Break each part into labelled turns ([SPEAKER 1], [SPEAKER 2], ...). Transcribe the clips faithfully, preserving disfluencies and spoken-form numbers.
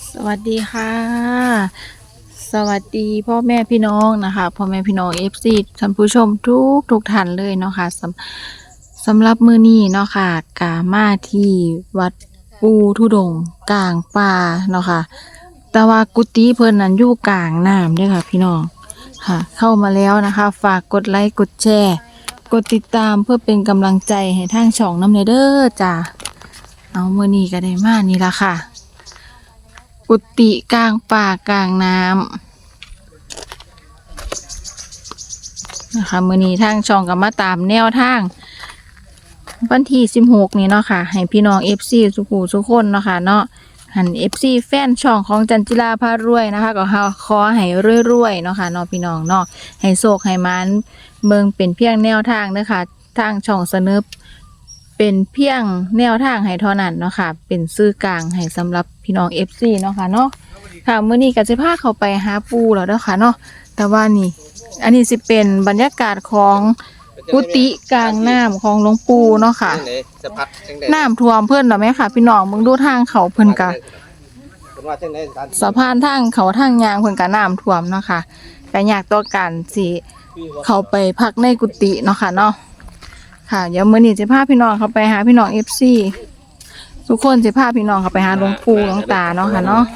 [SPEAKER 1] สวัสดีค่ะ สวัสดีพ่อแม่พี่น้องนะคะพ่อแม่พี่น้องเอฟซีท่านผู้ชมทุกทุกท่านเลยเนาะค่ะสำสำหรับมื้อนี้เนาะค่ะกามาที่วัดปูทุดงค์กลางป่าเนาะค่ะแต่ว่ากุฏิเพิ่นนั้นอยู่กลางน้ำเด้อค่ะพี่น้องค่ะ เข้ามาแล้วนะคะ ฝากกดไลค์กดแชร์กดติดตามเพื่อเป็นกำลังใจให้ทางช่องนำเด้อจ้าเอามื้อนี้ก็ได้มานี่ล่ะค่ะ กุฏิกลางป่ากลางน้ำนะคะมื้อนี้ทางช่องก็มาตามแนวทางวันที่สิบหกนี้เนาะค่ะให้พี่น้อง เอฟ ซี สุขุสุขคนเนาะค่ะเนาะหัน เอฟ ซี แฟนช่องของจันจิราพารวยนะคะก็ขอให้รวยๆเนาะค่ะเนาะพี่น้องเนาะให้โชคให้มันเมืองเป็นเพียงแนวทางเด้อค่ะทางช่องเสนอเป็นเพียงแนวทางให้เท่านั้นเนาะค่ะเป็นสื่อกลางให้สำหรับพี่น้อง เอฟ ซี เนาะค่ะเนาะค่ะมื้อนี้ก็สิพาเข้าไปหาปูแล้วเด้อค่ะเนาะแต่ว่านี่อันนี้สิเป็นบรรยากาศของกุฏิกลางน้ำของหลวงปู่เนาะค่ะน้ำท่วมเพิ่นแล้วแม่ค่ะพี่น้องมึงดูทางเขาเพิ่นก็สะพานทางเขาทางยางเพิ่นก็น้ำท่วมเนาะค่ะก็ยากต่อการสิเข้าไปพักในกุฏิเนาะค่ะเนาะค่ะเดี๋ยวมื้อนี้สิพาพี่น้องเข้าไปหาพี่น้อง เอฟ ซี ทุกคนสิพาพี่น้องเข้าไปหาหลวงปู่หลวงตาเนาะค่ะเนาะ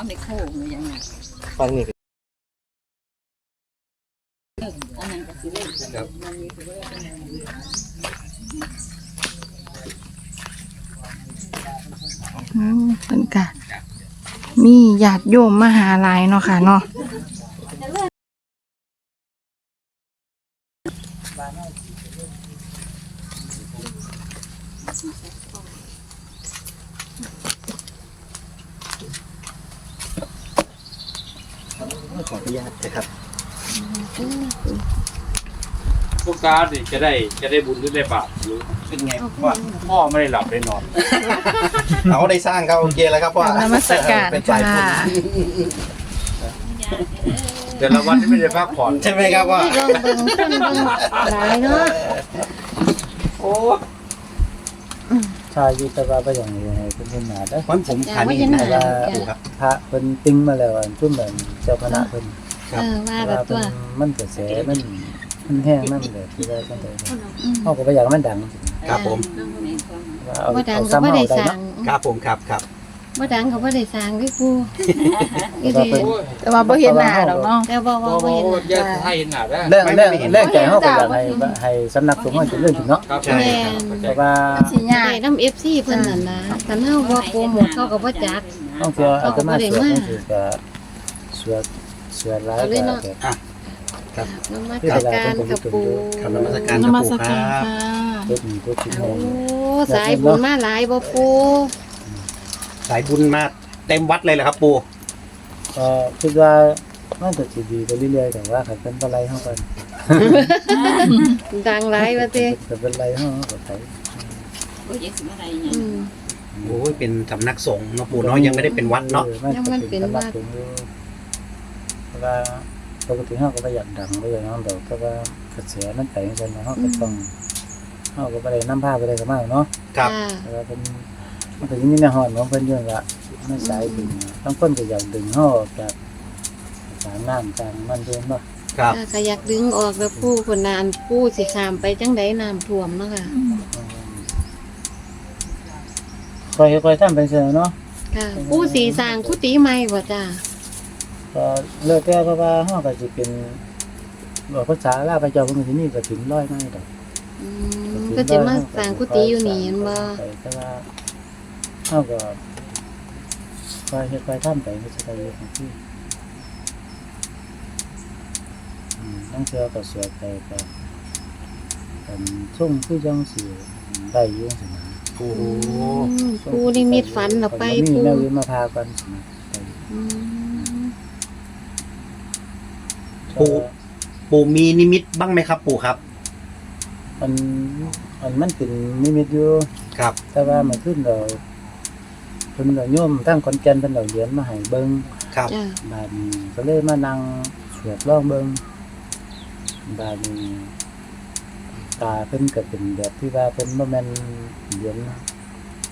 [SPEAKER 2] ฟังนี่
[SPEAKER 1] อืมเป็นกะมีญาติโยมมาหาหลายเนาะค่ะเนาะ
[SPEAKER 2] ขออนุญาตนะครับ
[SPEAKER 3] พวกการนี่จะได้จะได้บุญหรือได้บาปหรือ
[SPEAKER 2] เป็นไงพ่อ
[SPEAKER 3] พ่อไม่ได้หลับได้นอน
[SPEAKER 2] เอาได้สร้างเขาโอเคแล้วครับพ่อน
[SPEAKER 1] มัสการ
[SPEAKER 2] เป็นฝ่าย
[SPEAKER 1] ค่ะ
[SPEAKER 3] แต่ละวันนี่ไม่ได้พักผ่อน
[SPEAKER 2] ใช่ไหมครับพ่อ
[SPEAKER 1] เบิ่งเบิ่งคนเบิ่งหลายเนาะ
[SPEAKER 3] โอ้
[SPEAKER 4] ชายอยู่แต่ว่าบ่อย่างนี้ให้เพิ่นเห็นหน้าเด้อ
[SPEAKER 2] วันผมผ่านนี่เห็นนะว่าปู่ครับ
[SPEAKER 4] พระเพิ่นติ้งมาแล้วอันซุ่มเหมือนเจ้าคณะเพิ่น
[SPEAKER 1] เออว่า
[SPEAKER 4] แต่
[SPEAKER 1] แบ
[SPEAKER 4] ว่า
[SPEAKER 1] บตั
[SPEAKER 4] เพิ่
[SPEAKER 1] วน
[SPEAKER 4] มันกระแสมันมันแห้งมันเลยที่ว่าจังได๋เฮาก็บ่อยากให้มันดัง
[SPEAKER 2] ครับผม
[SPEAKER 4] ว่าเอา
[SPEAKER 1] บ่ดัง
[SPEAKER 4] เอา
[SPEAKER 1] ก็
[SPEAKER 4] ซ้ำ
[SPEAKER 1] บ่
[SPEAKER 4] เอา
[SPEAKER 1] ได้
[SPEAKER 4] ได้
[SPEAKER 1] สร้าง
[SPEAKER 4] เนาะ
[SPEAKER 2] ครับผมครับครับ
[SPEAKER 1] บ่ดังก็บ่ได้สร้างด้วยปู่
[SPEAKER 4] แต่ว่าเพิ่น
[SPEAKER 1] แต่ว่าบ่เห็นหน้าดอกเนาะแต่บ่
[SPEAKER 3] พ่
[SPEAKER 1] ว่า
[SPEAKER 3] อ
[SPEAKER 1] บ่
[SPEAKER 3] พ่อ
[SPEAKER 1] เห็นห
[SPEAKER 3] แย
[SPEAKER 1] น้าก
[SPEAKER 3] ให้เห็นหน้าได้
[SPEAKER 4] เรื่องเรื่องเรื่องใจเฮาก็อยากให้ให้สำนักสงฆ์เฮาเจริญขึ้นเนาะ
[SPEAKER 3] ครับ
[SPEAKER 2] ใช่
[SPEAKER 1] แม่
[SPEAKER 2] ครับ
[SPEAKER 1] น
[SPEAKER 4] เพราะว่า
[SPEAKER 1] สิยากได้นำ เอฟ ซี เพิ่นนั่นนะคันเฮาบ่โปรโมทเขาก็บ่จัก
[SPEAKER 4] ต้องเชื่ออาตมาสวดนี่คือก็สวดสวดหลาย
[SPEAKER 1] เอาเลย
[SPEAKER 4] ก็
[SPEAKER 1] เนาะ
[SPEAKER 2] อ่ะครับ
[SPEAKER 1] นมัสการกับปู่
[SPEAKER 2] คำนมัสการ
[SPEAKER 1] น
[SPEAKER 2] ครับ
[SPEAKER 1] มัส
[SPEAKER 2] ปู่ค
[SPEAKER 1] การ
[SPEAKER 2] รับ
[SPEAKER 1] ค่ะ
[SPEAKER 4] ทุกทุกทุก
[SPEAKER 1] โอ้สายบุญมาหลายบ่ปู่
[SPEAKER 2] สายบุญมาเต็มวัดเลยเหรอครับปู่
[SPEAKER 4] ก็คิดว่ามันก็สิดีไปเรื่อยๆแต่ว่าคันเป็นบ่ไรเฮาก็
[SPEAKER 1] ดังหลายว่าติ
[SPEAKER 4] คันเป็นไรเฮาก็ไป
[SPEAKER 1] อืม
[SPEAKER 2] โอ้ยเป็นสำนักสงฆ์เนาะปู่เนาะยังไม่ได้เป็นวัดเนาะ
[SPEAKER 1] ยังมันเป็นวัด
[SPEAKER 4] เพราะว่าปกติเฮาก็บ่อยากดังบ่อยากนอนดอกแต่ว่ากระแสมันไปจังซั่นเนาะเฮาก็ต้องเฮาก็บ่ได้นำพาไปได้ก็มากเนาะ
[SPEAKER 2] ครับ
[SPEAKER 1] จ้า
[SPEAKER 4] แต่ว่าเพิ่นมันก็ยังมีแนวฮ้อนของเพิ่นอยู่ล่ะมันสายดึงทั้งคนก็อยากดึงเฮาออกจากสางน้ำกลางมันเพิ่นเนาะ
[SPEAKER 2] ครับ
[SPEAKER 1] จ้าก็อยากดึงออกแล้วปู่คนนานปู่สิข้ามไปจังไดน้ำท่วมเนาะค่ะ
[SPEAKER 4] ค่อยๆทำไปซั่นเนาะ
[SPEAKER 1] ค่ะปู่สิสร้างกุฏิใหม่บ่จ้า
[SPEAKER 4] ก็เลิกแต่เพราะว่าเฮาก็สิเป็นบอกภาษาลาวพระเจ้าเพิ่นก็สิมีกฐินร้อยไม้ดอก
[SPEAKER 1] อืมก็สิมาสร้างกุฏิอยู่นี่เห็นบ่
[SPEAKER 4] แต่ว่าเฮาก็คอยเฮ็ดคอยทำไปก็สิได้อยู่ของที่อืมนั่งเทื่อก็สวดไปก็กันส่งคือจังสิได้อยู่จังซี่นะ
[SPEAKER 2] โอ้โห
[SPEAKER 1] อืมปู่นิมิตฝันเอาไป
[SPEAKER 4] มี
[SPEAKER 1] ปู่
[SPEAKER 4] แนวอื่นมาพากันสินะไป
[SPEAKER 1] อืม
[SPEAKER 2] ปู่ปู่มีนิมิตบ้างไหมครับปู่ครับ
[SPEAKER 4] อันอันมันเป็นนิมิตอยู่
[SPEAKER 2] ครับ
[SPEAKER 4] แต่ว่ามันขึ้นเราเพิ่นก็โยมทั้งขอนแก่นเพิ่นเอาเหรียญมาให้เบิ่ง
[SPEAKER 2] ครับ
[SPEAKER 1] จ้า
[SPEAKER 4] บาดนี้ก็เลยมานั่งสวดร้องเบิ่งบาดนี้ตาเพิ่นก็เป็นแบบที่ว่าเพิ่นบ่แม่นเหรียญนะ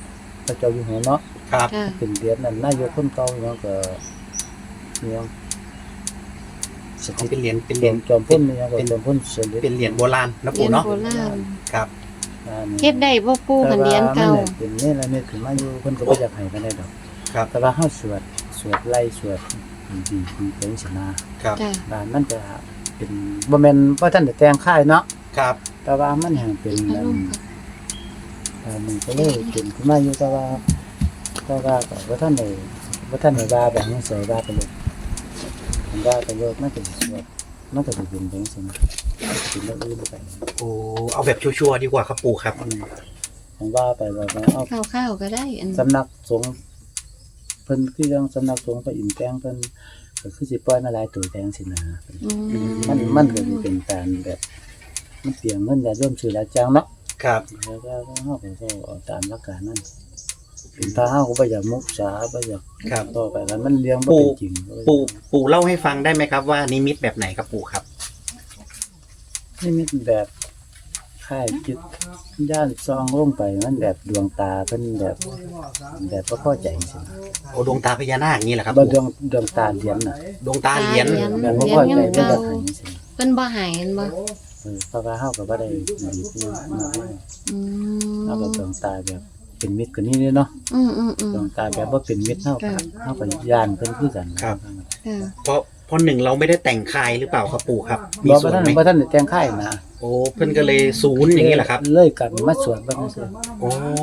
[SPEAKER 4] พระเจ้าอยู่หัวเนาะ
[SPEAKER 2] ครับ
[SPEAKER 1] ค่ะ
[SPEAKER 4] เป็นเหรียญนั่นนายกคนเก่าเนาะก็เนี่ยส
[SPEAKER 2] เขา
[SPEAKER 4] ถิต
[SPEAKER 2] เป็นเหรียญเป็นเห
[SPEAKER 4] จ
[SPEAKER 2] รี
[SPEAKER 4] อย
[SPEAKER 2] ญ
[SPEAKER 4] มจอมพ่นเนี่ยก็
[SPEAKER 2] เป็น
[SPEAKER 4] จอมพ่นเสด็จ
[SPEAKER 2] เป็นเหรียญโบราณนะ
[SPEAKER 1] เหรี
[SPEAKER 2] ปู่
[SPEAKER 1] ยญ
[SPEAKER 2] เนาะ
[SPEAKER 1] โบราณ
[SPEAKER 2] ครับ
[SPEAKER 1] เฮ็ดได้บ่ปู่คันเหรียญเก่า
[SPEAKER 4] แต่ว่มันเป็นนี่ละเนี่ยถึงมาอยู่เพิ่นก็บ่อยากให้กันได้ดอก
[SPEAKER 2] ครับ
[SPEAKER 4] แต่ว่าเฮาสวดสวดไล่สวดดีๆดีเป็นชนะครับ
[SPEAKER 1] จ้ะ
[SPEAKER 4] บ้านมันจะเป็นบ่แม่นว่าท่านได้แต่งค่ายเนาะ
[SPEAKER 2] ครับ
[SPEAKER 4] แต่ว่ามันแห่งเป็น
[SPEAKER 1] อารมณ์
[SPEAKER 4] อันนี้ก็เลยเป็นขึ้นมาอยู่แต่ว่าแต่ว่าก็บ่ท่านได้บ่ท่านได้ว่าแบบนี้ใส่ว่าไปเลยมันว่าไปเลยมันก็สิสวดมันก็สิเป็นจังซี่นะเป็นเรื่องอื่นไป
[SPEAKER 2] โอ้เอาแบบชัวร์ๆดีกว่าครับปู่ครับ
[SPEAKER 4] อืมผมว่าไปว่าไปเอา
[SPEAKER 1] ข้าวๆก็ได้อัน
[SPEAKER 4] สำนักสงฆ์เพิ่นคือยังสำนักสงฆ์พระอินทร์แปลงเพิ่นก็คือสิปล่อยมาหลายตัวแปลงสินะ
[SPEAKER 1] อืม
[SPEAKER 4] มันมันก็สิเป็นการแบบมันเปลี่ยนเงินญาติโยมซื้อหลายจังเนาะ
[SPEAKER 2] ครับ
[SPEAKER 4] แล้วก็เฮาก็ต้องเอาตามหลักการนั้นเป็นถ้าเฮาก็บ่อยากมุสาบ่อยาก
[SPEAKER 2] ครับ
[SPEAKER 4] ต่อไปแล้วมันเลี้ยงบ่เป็นจริง
[SPEAKER 2] ปู่ปู่เล่าให้ฟังได้ไหมครับว่านิมิตแบบไหนครับปู่ครับ
[SPEAKER 4] นี่มีแบบค่ายจิตย่านซองลงไปมันแบบดวงตาเพิ่นแบบแบบบ่พอใจสินะ
[SPEAKER 2] โอ้ดวงตาพญานาคอย่างนี้แหละครับ
[SPEAKER 4] บ่
[SPEAKER 2] ปู่
[SPEAKER 4] ดวงดวงตาเหรียญน่ะ
[SPEAKER 2] ดวงตาเหรียญ
[SPEAKER 4] แบบบ่พอใจบ่อยากให้สินะ
[SPEAKER 1] เพิ่นบ่ให้อันบ่
[SPEAKER 4] เออเพราะว่าเฮาก็บ่ได้ดีที่มากมาย
[SPEAKER 1] อืม
[SPEAKER 4] เฮาก็ต้องตายแบบเป็นมิตรกว่านี้เด้เนาะ
[SPEAKER 1] อืมอืมอืม
[SPEAKER 4] ต้องตายแบบบ่เป็นมิตรเฮาก็
[SPEAKER 1] ค่ะ
[SPEAKER 4] เฮาก็ย่านเพิ่นคือกัน
[SPEAKER 1] ค่ะ
[SPEAKER 2] เพราะเพราะหนึ่งเราไม่ได้แต่งคายหรือเปล่าครับปู่ครับ มี
[SPEAKER 4] บ่
[SPEAKER 2] ส่วน
[SPEAKER 4] ทัน
[SPEAKER 2] ไหม
[SPEAKER 4] บ่ทันได้แต่งค่ายนะ
[SPEAKER 2] โอ้เพิ่นก็เลยศูนย์อย่างนี้แหละครับ
[SPEAKER 4] เลยกันมาสวดเบิ่งซื่อ
[SPEAKER 2] โอ้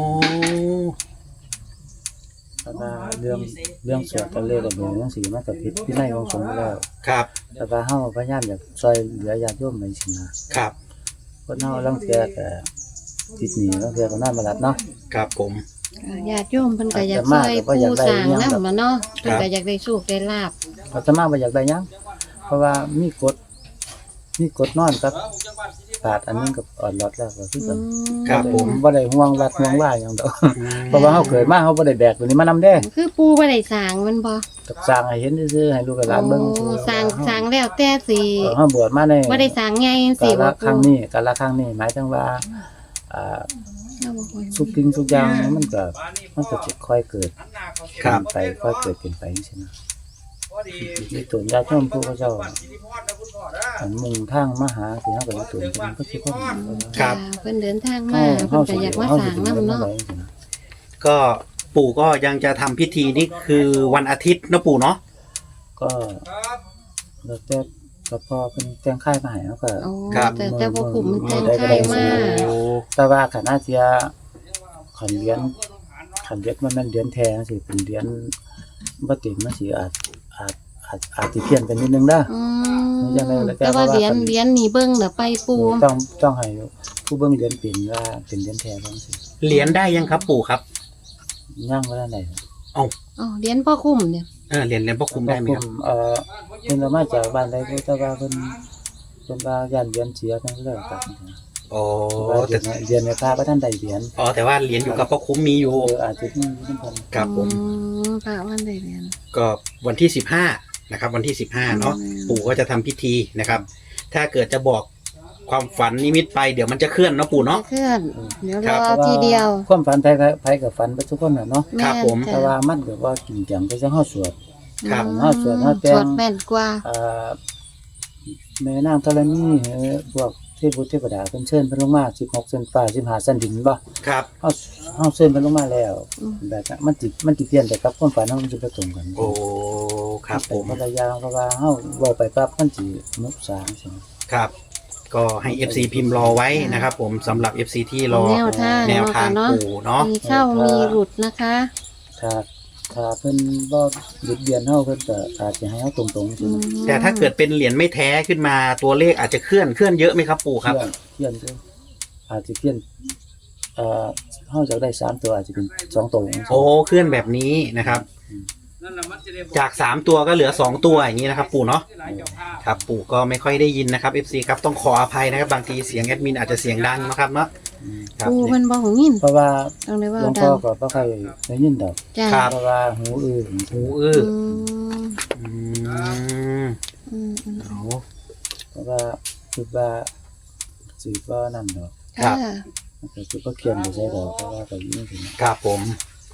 [SPEAKER 4] เพราะว่าเรื่องเรื่องสวดกันเลยก็เบิ่งจังซี่มันก็ผิดวินัยของสงฆ์อยู่แล้ว
[SPEAKER 2] ครับ
[SPEAKER 4] แต่ว่าเฮาพยายามอยากช่วยเหลือญาติโยมไปสินะครับ คนเฮาลางเทื่อก็ติดหนี้ลางเทื่อก็นอนบ่หลับเนาะ
[SPEAKER 2] ครับผม
[SPEAKER 1] ญาติโยมเพิ่นก็อยากช่วยปู่สร้างนำล่ะเนาะเพิ่นก็อยากได้โชคได้ลาภ
[SPEAKER 4] อาตมาบ่อยากได้หยังเพราะว่ามีกฎมีกฎนอนกับปาดอันนึงกับอ่อนรอดแล้วก็คือ
[SPEAKER 1] อื
[SPEAKER 4] กัน
[SPEAKER 1] ม
[SPEAKER 2] ครับผม
[SPEAKER 4] บ่ได้ห่วงวัดห่วงว่าหยังดอก เพราะว่าเฮาเกิดมาเฮาบ่ได้แบกตัวนี้มานำเด้
[SPEAKER 1] คือปู่บ่ได้สร้างมันบ่
[SPEAKER 4] ตักสร้างให้เห็นซื่อๆให้ลูกกับหลานเบิ่ง
[SPEAKER 1] โอ้สร้างสร้างแล้วแต่สิ
[SPEAKER 4] เออเฮาบวชมาใน
[SPEAKER 1] บ่ได้สร้างใหญ่จัง
[SPEAKER 4] กา
[SPEAKER 1] ซี่
[SPEAKER 4] ล
[SPEAKER 1] บ่
[SPEAKER 4] ครั้ง
[SPEAKER 1] ปู่
[SPEAKER 4] นี้กาลครั้งนี้หมายถึงว่าอ่าทุกสิ่งทุกอย่างมันก็มันก็สิค่อยเกิด
[SPEAKER 2] ครับ
[SPEAKER 4] ไปค่อยเกิดเป็นไปจังซี่นะมีตัวญาติโยมผู้เขาเจ้าอันมุ่งทางมาหาสิเฮาก็มีตัวเพิ่นก็สิคน
[SPEAKER 2] ครับ
[SPEAKER 1] เพิ่นเดินทางมาเพิ่นก็อยากมาสร้างนำเนาะ
[SPEAKER 2] ก็ปู่ก็ยังจะทำพิธีนี่คือวันอาทิตย์นะปู่เนาะ
[SPEAKER 4] ก็แล้วแต่ก็พอเป็นแต่งค่ายมาให้แล้วก็
[SPEAKER 1] โอ้แต่แต่บ่คุ้มมันแต่งไทยมา
[SPEAKER 2] โอ้
[SPEAKER 4] แต่ว่าขณะที่ขันเรียนขันเรียนมันแม่นเรียนแท้สิเป็นเรียนบ่เต็มมันสิอาจอาจอาจอาจสิเพี้ยนกันนิดนึงเด้อ
[SPEAKER 1] อื
[SPEAKER 4] มันจะได้
[SPEAKER 1] ม
[SPEAKER 4] แล้วแต่
[SPEAKER 1] แต่ว่า
[SPEAKER 4] ว่า
[SPEAKER 1] เหรียญเหรียญนี่เบิ่งเด้อไปปู
[SPEAKER 4] ต้องต้องให้ผู้เบิ่งเรียนเป็นว่าเป็นเรียนแท้บ่สิ
[SPEAKER 2] เหรียญได้ยังครับปู่ครับ
[SPEAKER 4] ย่างบ่ได้ไหน
[SPEAKER 1] อ๋อเหรียญพ่อคุ้มเนี่ย
[SPEAKER 2] เออเหรียญเหรียญพ่อคุ้มได้ไหมครับ
[SPEAKER 4] เอ่อเพิ่นเอามาจากบ้านใดก็แต่ว่าเพิ่นเพิ่นว่าย่านเรียนเสียทั้งแล้วกัน
[SPEAKER 2] โอ้
[SPEAKER 4] ว่าเรี
[SPEAKER 2] แต่
[SPEAKER 4] ยนเรียนในพระบ่ทันได้เหรียญ
[SPEAKER 2] อ๋อแต่ว่าเหรียญอยู่กับพ่อคุ้มมีอยู่
[SPEAKER 4] เอออาจจะมีอยู่นำกัน
[SPEAKER 2] ครับผม
[SPEAKER 1] อืมพระวันได้เหรียญ
[SPEAKER 2] ก็วันที่สิบห้านะครับ วันที่สิบห้าเนาะ
[SPEAKER 1] อืม
[SPEAKER 2] ปู่ก็จะทำพิธีนะครับ ถ้าเกิดจะบอกความฝันนิมิตไปเดี๋ยวมันจะเคลื่อนเนาะปู่เนาะ
[SPEAKER 1] เพื่อน เดี๋ยว
[SPEAKER 2] ครั
[SPEAKER 1] ร
[SPEAKER 2] บ
[SPEAKER 1] อทีเดียว
[SPEAKER 4] ความฝันไผก็ไผก็ฝันไปทุกคนน่ะเนาะ
[SPEAKER 2] ครับผม
[SPEAKER 4] แต่ว่ามันก็ว่าจริงจังไปจังเฮาสวด
[SPEAKER 2] ครับ
[SPEAKER 1] อืม
[SPEAKER 4] เฮาสวดเฮาแต่ง
[SPEAKER 1] สวดแม่นกว่า
[SPEAKER 4] อ่าแม่นางธรณีเอ่อพวกเทพบุตรเทพดาเพิ่นเชิญเพิ่นลงมาสิบหกเส้นฟ้าสิบห้าเส้นดินบ่
[SPEAKER 2] ครับ
[SPEAKER 4] เฮาเฮาเชิญเพิ่นลงมาแล้วแบบนั้นมันสิมันสิเปลี่ยนไปกับความฝันเฮามันสิบ่ตรงกัน
[SPEAKER 2] โอ้ครับผม
[SPEAKER 4] เป็นคนละอย่างเพราะว่าเฮาเว้าไปปั๊บมันสิมุกสางใช่ไหม
[SPEAKER 2] ครับ ก็ให้ เอฟ ซี พิมพ์รอไว้นะครับผมสำหรับ เอฟ ซี ที่รอ
[SPEAKER 1] แนวทาง
[SPEAKER 2] แนวทาง
[SPEAKER 1] เนาะ
[SPEAKER 2] ปู่เนาะ
[SPEAKER 1] มีเข้ามีหลุดนะคะ
[SPEAKER 4] ถ้าถ้าเพิ่นบ่หยุดเบียนเฮาเพิ่นก็อาจจะให้เฮาตรงๆใช่
[SPEAKER 1] อื
[SPEAKER 4] ไหม
[SPEAKER 1] ม
[SPEAKER 2] แต่ถ้าเกิดเป็นเหรียญไม่แท้ขึ้นมาตัวเลขอาจจะเคลื่อนเคลื่อนเยอะไหมครับปู่ครับ
[SPEAKER 4] เพี้ยนเพี้ยนด้วยอาจจะเพี้ยนเอ่อเฮาจะได้สามตัวอาจจะเป็นสองตัวจังซี่
[SPEAKER 2] โอ้เคลื่อนแบบนี้นะครับ จากสามตัวก็เหลือสองตัวอย่างนี้นะครับ ปู่เนาะครับปู่ก็ไม่ค่อยได้ยินนะครับ เอฟ ซี ครับต้องขออภัยนะครับบางทีเสียงแอดมินอาจจะเสียงดังนะครับเนาะครับ
[SPEAKER 1] ปูเพิ่นบ่หูยิน
[SPEAKER 4] เพราะว่า
[SPEAKER 1] ต้องได้ว่า
[SPEAKER 4] หลวง
[SPEAKER 1] ดั
[SPEAKER 4] พ่อง ก็บ่ค่อยได้ยินดอก
[SPEAKER 1] จ้า
[SPEAKER 2] ครับ
[SPEAKER 4] เพราะว่าหูอื้อ
[SPEAKER 2] หูอื้อ
[SPEAKER 1] อืม
[SPEAKER 2] อืม
[SPEAKER 1] อืมอืม
[SPEAKER 2] เอา
[SPEAKER 4] เพราะว่าคิดว่าสิบ่นั่นดอก
[SPEAKER 2] ครับ
[SPEAKER 1] ค่ะ
[SPEAKER 4] มันก็สิบ่เขียนไปใส่ดอกเพราะว่าก็ยินถึง
[SPEAKER 2] ครับผม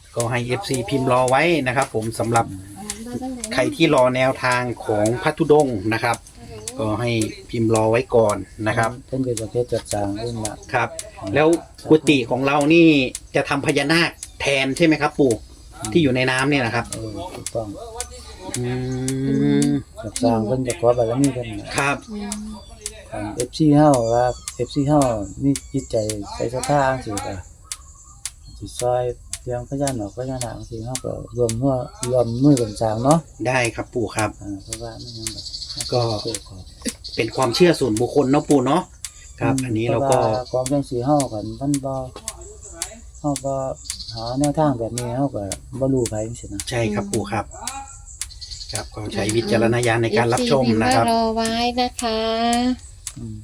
[SPEAKER 2] ก็ให้ เอฟ ซี พิมพ์รอไว้นะครับ ผมสำหรับใครที่รอแนวทางของพระธุดงค์นะครับ ก็ให้พิมพ์รอไว้ก่อนนะครับ
[SPEAKER 4] เพิ่นเป็นประเภทจัดสร้างเองล่ะ
[SPEAKER 2] ครับ แล้วกุฏิของเรานี่จะทำพญานาคแทนใช่ไหมครับปู่ที่อยู่ในน้ำเนี่ยนะครับ
[SPEAKER 4] เออถูกต้อง
[SPEAKER 2] อืม
[SPEAKER 4] จัดสร้างเพิ่นจะขอบารมีเพิ่นน่ะ
[SPEAKER 2] ครับ
[SPEAKER 4] ของ เอฟ ซี เฮาว่า เอฟ ซี เฮามีจิตใจใส่ศรัทธาจังซี่ก็สิซอยเรื่องพญานาคพญานาคจังซี่เฮาก็รวมหัวรวมมือกันสร้างเนาะ
[SPEAKER 2] ได้ครับปู่ครับ
[SPEAKER 4] อ่าเพราะว่ามันยังแบบ
[SPEAKER 2] ก็ เป็นความเชื่อส่วนบุคคลเนาะปู่เนาะครับ อันนี้เราก็
[SPEAKER 4] พะว่ของจังซี่เฮากันมันบ่เฮาบ่หาแนวทางแบบนี้เฮาก็บ่รู้ไผจังซี่นะ
[SPEAKER 2] ใช่ครับปู่ครับ ครับก็ใช้วิจารณญาณในการรับชมนะครับ
[SPEAKER 5] เอฟซีพิมพ์ว่ารอไว้นะคะ
[SPEAKER 4] อืม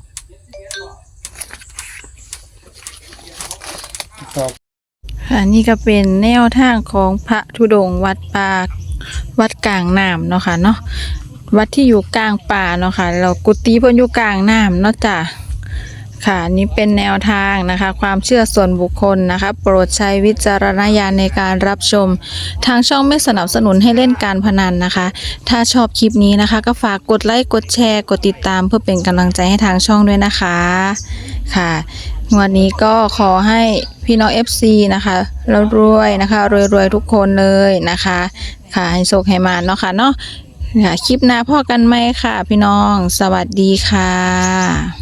[SPEAKER 4] ต่อ
[SPEAKER 1] ค่ะนี่ก็เป็นแนวทางของพระธุดงค์วัดป่าวัดกลางน้ำเนาะค่ะเนาะวัดที่อยู่กลางป่าเนาะค่ะเรากุฏิเพิ่นอยู่กลางน้ำเนาะจ้ะค่ะนี่เป็นแนวทางนะคะ ความเชื่อส่วนบุคคลนะคะ โปรดใช้วิจารณญาณในการรับชม ทางช่องไม่สนับสนุนให้เล่นการพนันนะคะ ถ้าชอบคลิปนี้นะคะ ก็ฝากกดไลค์กดแชร์กดติดตามเพื่อเป็นกำลังใจให้ทางช่องด้วยนะคะค่ะวันนี้ก็ขอให้พี่น้อง เอฟ ซี นะคะแล้วรวยนะคะรวยๆทุกคนเลยนะคะค่ะให้โชคให้มาเนาะค่ะเนาะค่ะคลิปหน้าพ่อกันไหมค่ะ พี่น้องสวัสดีค่ะ